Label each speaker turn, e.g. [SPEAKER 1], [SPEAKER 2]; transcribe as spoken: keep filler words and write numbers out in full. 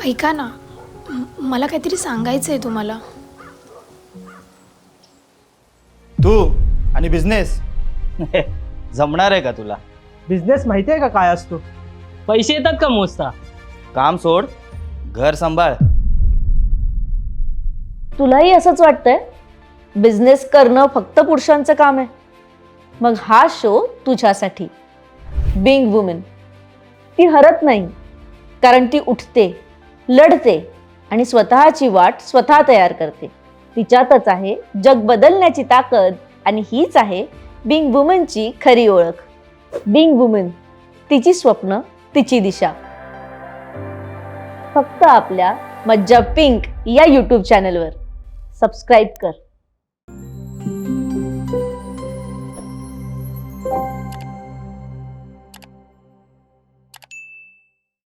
[SPEAKER 1] ऐका ना, म- मला काहीतरी सांगायचं आहे तुम्हाला.
[SPEAKER 2] तू आणि बिझनेस जमणार आहे का तुला?
[SPEAKER 3] बिझनेस माहिती आहे का काय असतो?
[SPEAKER 4] पैसे येतात का मोजता?
[SPEAKER 2] काम सोड, घर सांभाळ.
[SPEAKER 5] तुलाही असंच वाटतंय? बिझनेस करणं फक्त पुरुषांचं काम आहे? मग हा शो तुझ्यासाठी. Being women. ती हरत नाही, कारण ती उठते, लढते आणि स्वतःची वाट स्वतः तयार करते. तिच्यातच आहे जग बदलण्याची ताकद आणि हीच आहे बिंग वुमनची खरी ओळख. बिंग वुमन, तिची स्वप्न, तिची दिशा. फक्त आपल्या मज्जा पिंक या यूट्यूब चॅनलवर. सबस्क्राईब कर.